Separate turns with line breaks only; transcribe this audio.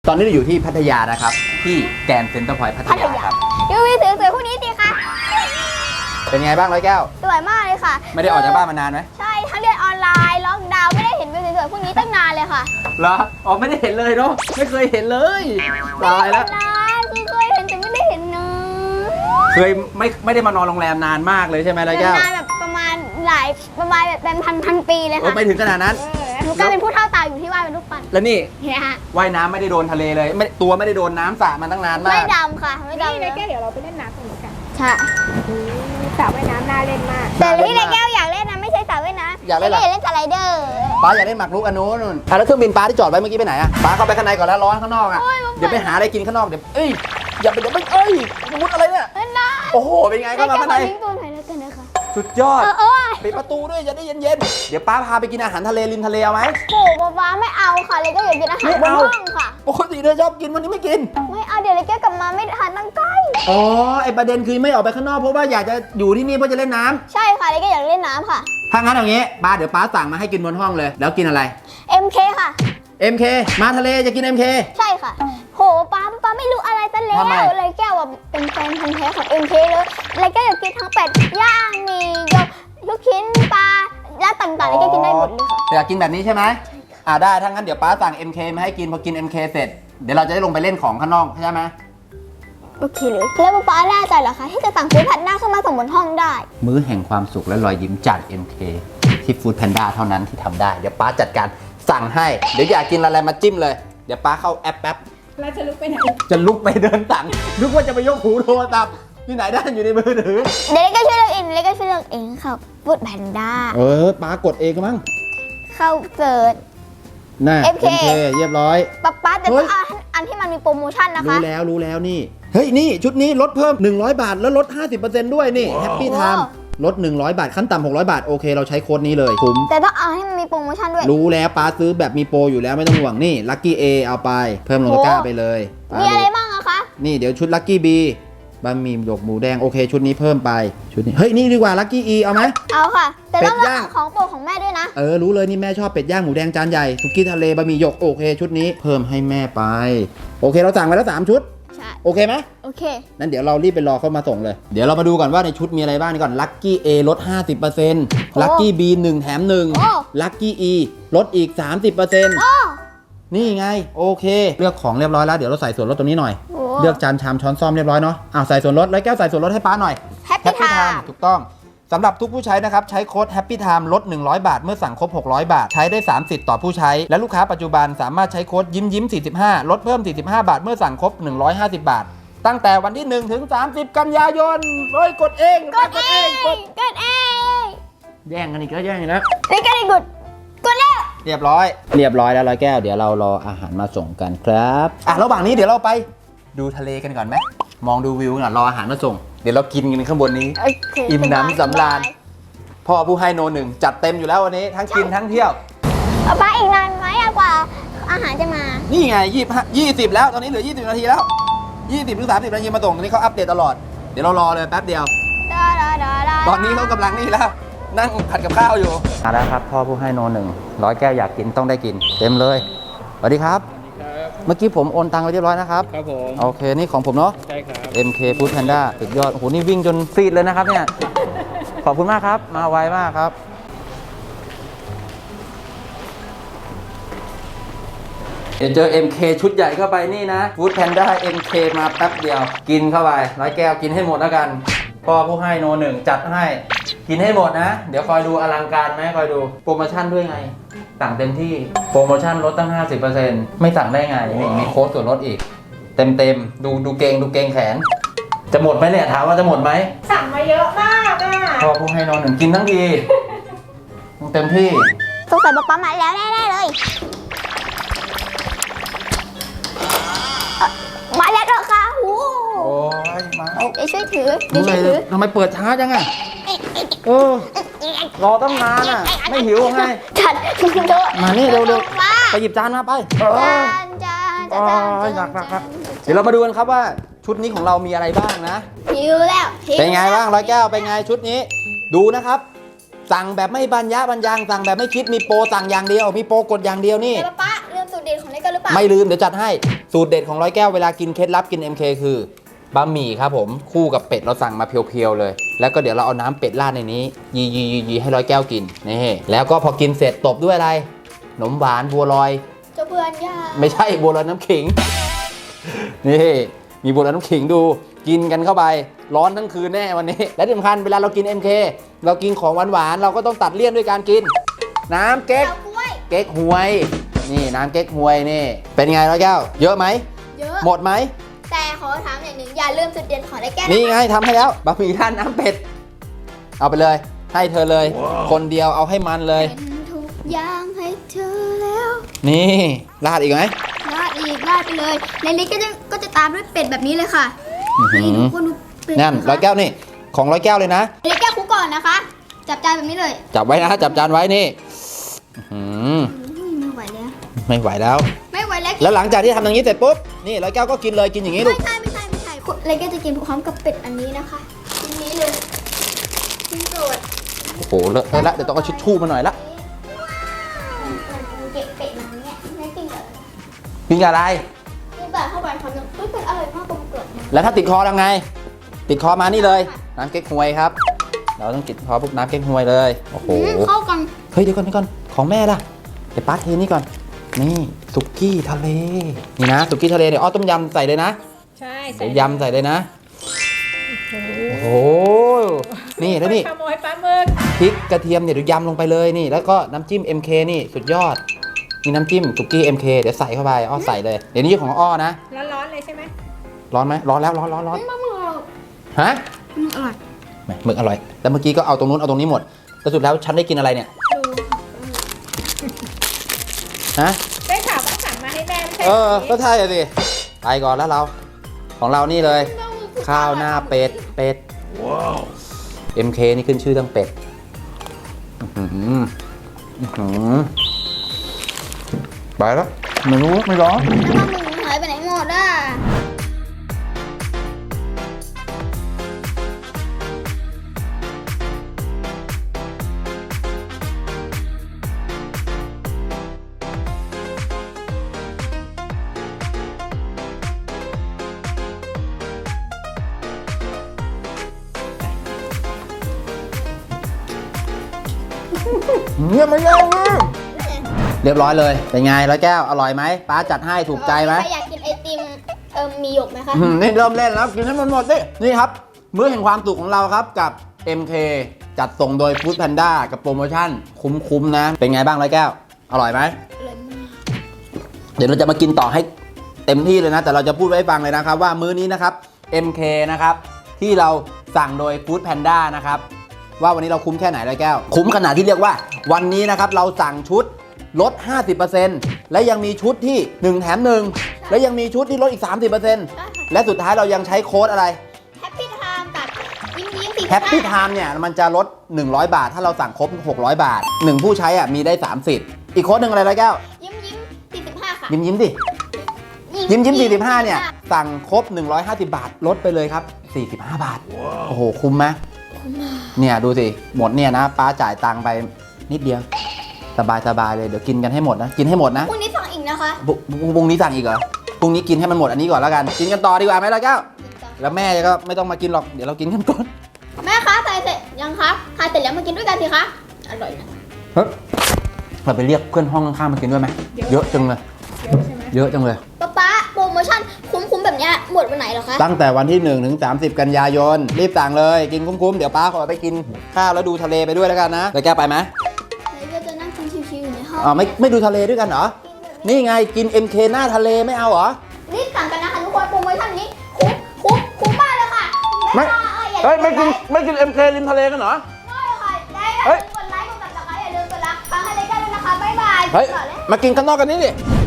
ตอนนี้เราอยู่ที่พัทยานะครับที่แกรนด์เซ็นเตอร์พอยต์พัทยาครับ
ดูวิวสวยๆพวกนี้สิคะ
เป็นไงบ้างร้อยแก้ว
สวยมากเลยค่ะ
ไม่ได้ออกจากบ้านมานานไหม
ใช่ทั้งเรียนออนไลน์ล็อกดาวน์ไม่ได้เห็นวิวสวยๆพวกนี้ตั้งนานเลยค่ะ
เหรออ๋อไม่ได้เห็นเลยเนาะไม่เคยเห็นเลยตายแล้ว
นานที่เคยเห็นแต่ไม่ได้เห็นนะ
เคยไม่ได้มานอนโรงแรมนานมากเลยใช่ไหมร้อยแก้วน
านแบบประมาณแบบเป็นพันปีเลย
โอ้
ค่ะ
ไม่ถึงขนาดนั้น
หนูกลายเป็นผู้เฒ่าตาอยู่ที่ว่ายเป็นรูปปั้น
แล้วนี่
เนี่ยฮะ
ว่ายน้ำไม่ได้โดนทะเลเลยตัวไม่ได้โดนน้ำสระมาตั้งนานมา
ไม่
ก
ดำค่ะไม่
นี่
ดำ
ในแก้วเดี๋ยวเราไปเล่นน้ำตรงนี้กัน
ใช่
สระว่ายน้ำน่าเล่นมาก
แต่ที่ในแก้วอยากเล่นนะไม่ใช่สระว่ายน้ำ
อยากเล่นอะไร
เล่นสไลเดอร์
ป้าอยากเล่นหมากรุกอันนู้นนู่นแล้วเครื่องบินป้าที่จอดไว้เมื่อกี้ไปไหนอะป้าเข้าไปข้างในก่อนแล้วร้อนข้างนอกอะเดี๋ยวไปหาอะไรกินข้างนอกเดี๋ยวอย่าไปมุดอะไรเนี่ย
เล่นได้
โอ้โหเป็นไงเข้ามาข้างใน
ทิ้งตัวหน่อยแล้วกันนะคะ
สุดยอด
เออ
ปิดประตูด้วยจะได้เย็นๆ เดี๋ยวป้าพาไปกินอาหารทะเลริมทะเลเอาไหม
โอ้ป๊าไม่เอาค่ะเลยก็อยากกินอาหารบนห้องค่ะ
ปกติเธอชอบกินวันนี้ไม่กิน
ไม่เอาเดี๋ยวเลยแก้วกลับมาไม่ทานตั้งใกล้
อ๋อไอประเด็นคือไม่ออกไปข้างนอกเพราะว่าอยากจะอยู่ที่นี่เพื่อจะเล่นน้ำ
ใช่ค่ะเลยก็อยากเล่นน้ำค่ะ
ถ้างั้นอย่างงี้ป้าเดี๋ยวป้าสั่งมาให้กินบนห้องเลย แล้วกินอะไร
MK ค่ะ
MK มาทะเลจะกิน MK
ใช่ค่ะ โหป๊าไม่รู้อะไรซะแล้ว
ทำไม
เลยแก้วว่าเป็นแฟนพันธุ์แท้ของ MK เลยเลยแก้วอยากกินทั้งเป็ดย่างมีลูกชิ้นปลาย่างต่างๆเลยแก้วกินได้หมดเลยค่ะ
อยากกินแบบนี้ใช่ไหมได้ถ้างั้นเดี๋ยวป้าสั่ง MK มาให้กินพอกิน MK เสร็จเดี๋ยวเราจะได้ลงไปเล่นของข้างนอกใช่ไหม
โอเคเลยแล้วป๊าแน่ใจเหรอคะที่จะสั่งฟู้ดแพนด้าขึ้นมาส่งบนห้องได้
มื้อแห่งความสุขและรอยยิ้มจาก MK ที่ Food Panda เท่านั้นที่ทำได้ เดี๋ยวป้าจัดการสั่งให้ เดี๋ยวอยากกินอะไรมาจิ้มเลย เดี๋ยวป้าเข้าแอปแป๊บ
เราจะลุกไปไหน
จะลุกไปเดินสั่งนึกว่าจะไปยกหูโทรศัพท์ที่ไหนได้อยู่ในมือถือ
เดี๋ยวเลยก็ช่วยเลือกเองเลยก็ช่วยเลือกเองค่ะฟู้ดแพนด้า
ป้ากดเองมั้ง
เข้าเสิร์ช
น่ะ
MK
เรียบร้อย
ป๊าแต่ต้องเอาอันที่มันมีโปรโมชั่นนะคะ
รู้แล้วนี่ เฮ้ยนี่ชุดนี้ลดเพิ่ม100 บาทแล้วลด 50%ด้วยนี่แฮปปี้ไทม์ลด100 บาทขั้นต่ำ600 บาทโอเคเราใช้โค้ดนี้เลยคุ้ม
แต่ต้องเอาให้มันมีโปรโมชั่นด้วย
รู้แล้วป้าซื้อแบบมีโปรอยู่แล้วไม่ต้องห่วงนี่ลัคกี้ A เอาไปเพิ่มลงตะกร้าไปเลยป้า
มีอะไร
ดู
บ้างอะคะ
นี่เดี๋ยวชุดลัคกี้ B บะหมี่หยกหมูแดงโอเคชุดนี้เพิ่มไปชุดนี้เฮ้ยนี่ดีกว่าลัคกี้ E เอาไหม
เอาค่ะ แต่ต้อง
เป็ด
เลื
ย่าง
อกของโปรดของแม่ด้วยนะ
รู้เลยนี่แม่ชอบเป็ดย่างหมูแดงจานใหญ่สุกี้ทะเลบะหมี่หยกโอเคชุดนี้เพิ่มให้แม่ไปโอเคเราสั่งไปแล้ว3ชุด
ใช่
โอเคไหม
โอเค
นั้นเดี๋ยวเรารีบไปรอเขามาส่งเลย เดี๋ยวเรามาดูก่อนว่าในชุดมีอะไรบ้างนี่ก่อนลัคกี้ A ลด 50% ลัคกี้ B 1 แถม 1 ลัคกี้ E ลดอีก 30%
โอ้
นี่ไงโอเค เลือกของเรียบร้อยแล้วเดี๋ยวเราใส่ส่วนลดตรงนี้หน่อย
โห
เลือกจานชามช้อนซ่อมเรียบร้อยเนาะใส่ส่วนลดแล้วแก้วใส่ส่วนลดให้ป้าหน่อย
Happy Time
ถูกต้องสำหรับทุกผู้ใช้นะครับใช้โค้ด Happy Time ลด100 บาทเมื่อสั่งครบ600 บาทใช้ได้3สิทธิ์ต่อผู้ใช้และลูกค้าปัจจุบันสามารถใช้โค้ดยิ้ม45ลดเพิ่ม45 บาทเมื่อสั่งครบ150 บาทตั้งแต่วันที่1ถึง30 กันยายนเฮ้ยกดเอง
กดเองกดเอง
แย่งกันอีกแล้วแย่งอีกแล้ว
นี่ก็ได้กดแล้ว
เรียบร้อยแล้วร้อยแก้วเดี๋ยวเรารออาหารมาส่งกันครับระหว่างนี้เดี๋ยวเราไปดูทะเลกันก่อนไหมมองดูวิวก่อนรออาหารมาส่งเดี๋ยวเรากินกันข้างบนนี้
โอเค
อิ่มหนำสำราญ พ่อผู้ให้โนหนึ่งจัดเต็มอยู่แล้ววันนี้ทั้งกินทั้งเที่ยว
ป๊าอีกนานไหมกว่าอาหารจะมา
นี่ไง20แล้วตอนนี้เหลือ20นาทีแล้ว20ถึง30นาทีมาส่งตอนนี้เขาอัปเดตตลอดเดี๋ยวเรารอเลยแป๊บเดียวตอนนี้เขากำลังนี่แล้วนั่งผัดกับข้าวอยู่มาแล้วครับพ่อผู้ให้โนหนึ่ง100 แก้วอยากกินต้องได้กินเต็มเลยสวัสดีครับเมื่อกี้ผมโอนตังค์ไปเรียบร้อยนะครับ
ครับผม
โอเคนี่ของผมเนาะ
ใช่ครับ
MK Food Panda สุดยอดโอ้โหนี่วิ่งจนซีดเลยนะครับเนี่ยขอบคุณมากครับมาไวมากครับเดี๋ยวเจอ MK ชุดใหญ่เข้าไปนี่นะ Food Panda MK มาแป๊บเดียวกินเข้าไป100 แก้วกินให้หมดแล้วกันพ่อผู้ให้โนหนึ่งจัดให้กินให้หมดนะเดี๋ยวคอยดูอลังการไหมคอยดูโปรโมชั่นด้วยไงสั่งเต็มที่โปรโมชั่นลดตั้ง 50% ไม่สั่งได้ไงนี่มีโค้ดส่วนลดอีกเต็มดูเกงแขนจะหมดไหมเนี่ยถามว่าจะหมดไหม
สั่งมาเยอะมากอ่ะ
พ่อผู้ให้นอนหนึ่งกินทั้งทีเต็มที่
สงสัยป๊ามาแล้วแน่ๆเลยมาแล้วเหรอคะโอ้
โอ้ยมาแล้ว
เดี๋ยวช่วยถือเดี๋ยวช่วยถือ
ทำไมเปิดช้าจังอะรอตั้งนานอะไม่หิวไง
จัดโดด
มานี่เร็ว
มา
ไปหยิบจานมาไป
จาน
โอ้ยหนักเดี๋ยวเรามาดูกันครับว่าชุดนี้ของเรามีอะไรบ้างนะ
หิวแล้ว
เป็นไงบ้าง100 แก้วเป็นไงชุดนี้ ดูนะครับ สั่งแบบไม่บรรยะบรรยังสั่งแบบไม่คิดมีโปรสั่งอย่างเดียวมีโปรกดอย่างเดียวนี่
แต่ป๊าลืมสูตรเด็ดของเล็กกันหรือเปล่า
ไม่ลืมเดี๋ยวจัดให้สูตรเด็ดของร้อยแก้วเวลากินเคล็ดลับกิน MK คือบะหมี่ครับผมคู่กับเป็ดเราสั่งมาเพียวๆเลยแล้วก็เดี๋ยวเราเอาน้ำเป็ดราดในนี้ยีให้ร้อยแก้วกินนี่แล้วก็พอกินเสร็จตบด้วยอะไรขนมหวานบัวลอย
เจ้าเพื่อนยา
ไม่ใช่บัวลอยน้ำขิง นี่มีบัวลอยน้ำขิงดูกินกันเข้าไปร้อนทั้งคืนแน่วันนี้และที่สำคัญเวลาเรากิน MK เรากินของหวานๆเราก็ต้องตัดเลี่ยนด้วยการกิน น้ำเก๊ก
เจ้ากล้วย
เก๊กฮวยนี่น้ำเก๊กฮวยนี่เป็นไงร้อยแก้วเยอะไหม
เยอะ
หมดไหม
แต่ขอถามอย่างหนึ่งอย่าลืมจุดเด่นของไรแก้ว
นี่ไงทำให้แล้วบะหมี่ท่านน้ำเป็ดเอาไปเลยให้เธอเลย คนเดียวเอาให้มันเลย
เป็นทุกอย่างให้เธอแล้ว
นี่ราดอีกไหม
ราดอีกราดไปเลยในนี้ก็จะตามด้วยเป็ดแบบนี้เลยค่ะ
อื้อหื
นี่
อ
ทุกคนดูเป็ด
นั่นร้อยแก้วนี่ของร้อยแก้วเลยนะ
ไรแก้วคุกก่อนนะคะ จับจานแบบนี้เลย
จับไว้นะจับจานไว้นี่อื้อหือ
อุ้ยไม่ไหวแล้ว
ไม่ไหวแล้ว
ไม่ไหวแล้ว
แล้วหลังจากที่ทำอย่างนี้เสร็จปุ๊บนี่ร้อยแก้วก็กินเลยกินอย่างนี้ลู
ไม่
ก
ใช่ไรแก้วจะกินพร้อมกับเป็ดอันนี้นะคะชิ้นนี้เลยชิ้นโปรด
โอ้โหเลอะเทอะแล้วเดี๋ยวต้องเอาชิชชู่มาหน่อยละ
เก็บเป็ดมาเนี่ยไม่กินเลย
กินกับอะไร
กินแบบเข้าไปคำนึงอุ้ยเป็ดอร่อยมากกลมกล่อมมาก
แล้วถ้าติดคอทำไง ติดคอมานี่เลยน้ำเก๊กฮวยครับ เราต้องติดคอพวกน้ำเก๊กฮวยเลยโอ้โห
เข้ากัน
เฮ้ยเดี๋ยวก่อนของแม่ล่ะเดี๋ยวป้าเทนี่ก่อนนี่สุกี้ทะเลนี่นะสุกี้ทะเลเดี๋ยวอ้อต้มยำใส่เลยนะ
ใช่
เดี๋ยวยำใส่เลยนะโอ้โหนี่แล้วนี่
ขโมยปลาหมึก
พริกกระเทียมเนี่ยเดี๋ยวยำลงไปเลยนี่แล้วก็น้ำจิ้ม MK นี่สุดยอดมีน้ำจิ้มสุกี้ MK เดี๋ยวใส่เข้าไปอ้อใส่เลยเดี๋ยวนี้ของอ้อนะ
ร้อนๆเลยใช่ไหม
ร้อนไหมร้อนแล้วร้อน
ไม่มากเลย
ฮะ
อร่อย
แหม่หมึกอร่อยแล้วเมื่อกี้ก็เอาตรงนู้นเอาตรงนี้หมดแต่สุดแล้วฉันได้กินอะไรเนี่ย
ดู
ฮะ
ได้ข่าวว่าสั่งมาให้แม่ไม่ใช่
ก็ใช่อะสิไปก่อนแล้วเราของเรานี่เลย ข้าวหน้าเป็ดว้าว MK นี่ขึ้นชื่อเรื่องเป็ดอื้อหืออื้อหือไปแล้วไม่รู้ไม่ร้อน
แล้วก็มึงหายไปไหนหมดอ่ะ
เงียบไม่เล่าเรียบร้อยเลยเป็นไงร้อยแก้วอร่อยไหมป้าจัดให้ถูกใจไหม
ใครอยากกินไอติมมีหยกไหมคะ
นี่เริ่มเล่นแล้วกินให้มันหมดดินี่ครับมื้อแห่งความสุขของเราครับกับ MK จัดส่งโดย Food Panda กับโปรโมชั่นคุ้มๆนะเป็นไงบ้างร้อยแก้วอร่อยไหม
เลยมาก
เดี๋ยวเราจะมากินต่อให้เต็มที่เลยนะแต่เราจะพูดไว้ให้ฟังเลยนะครับว่ามื้อนี้นะครับ MK นะครับที่เราสั่งโดย Food Panda นะครับว่าวันนี้เราคุ้มแค่ไหนร้อยแก้วคุ้มขนาดที่เรียกว่าวันนี้นะครับเราสั่งชุดลด 50% และยังมีชุดที่ 1 แถม 1 และยังมีชุดที่ลดอีก 30% และสุดท้ายเรายังใช้โค้ดอะไร
แฮปปี้ไทม์กับยิ้ม
แฮปปี้ไทม์เนี่ยมันจะลด 100 บาท ถ้าเราสั่งครบ 600 บาท 1 ผู้ใช้อ่ะมีได้3สิทธิ์อีกโค้ดหนึ่งอะไรร้อยแก้ว
ยิ้ม45ค่ะ
ยิ้มดิยิ้ม45เนี่ยสั่งครบ 150 บาทลดไปเลยครับ45 บาทโอ้โหคุ้มไหมเนี่ยดูสิหมดเนี่ยนะป้าจ่ายตังค์ไปนิดเดียวสบายเลยเดี๋ยวกินกันให้หมดนะกินให้หมดนะ
พรุ่งนี้สั่งอีกนะคะ
พรุ่งนี้สั่งอีกเหรอพรุ่งนี้กินให้มันหมดอันนี้ก่อนแล้วกันกินกันต่อดีกว่าไหมร้อยแก้วแล้วแม่ก็ไม่ต้องมากินหรอกเดี๋ยวเรากินกันก่อน
แม่คะใส่เสร็จยังคะทานเสร็จแล้วมากินด้วยกันสิคะอร่อยนะ
เฮ้ยเราไปเรียกเพื่อนห้องข้างๆมากินด้วยไหมเยอะจังเลย
เยอะใช่ไหม
เยอะจังเลย
ป๊าโปรโมชั่นคุ้มๆแบบเนี้ยหมดวันไหนเหรอคะ
ตั้งแต่วันที่1ถึง30 กันยายนรีบสั่งเลยกินคุ้มๆเดี๋ยวป้าขอไปกินข้าวแล้วดูทะเลไปด้วยแล้วกันนะแล้วแกไปไหม
แล้วก็จะนั่งกินชิวๆอยู่ในห้อง
อ๋อไม่ดูทะเลด้วยกันเหรอนี่ไงกิน MK หน้าทะเลไม่เอาเหรอ
รีบสั่งกันนะคะทุกคนโปรโมชั่นนี้คุ้มมากเลยค่ะ
ไม่
เฮ้ย
ไม่กิน MK ริมทะเลกันเหรอ
ไม่ค่ะได้
เฮ้ย
กดไลค์กดติดตามอย่าลืมกดรักฟังให้เลยกันด้วยนะคะบ๊ายบาย
เฮ้ย
ต่อเลย
มากินข้างนอกกันนี่ดิ
ไ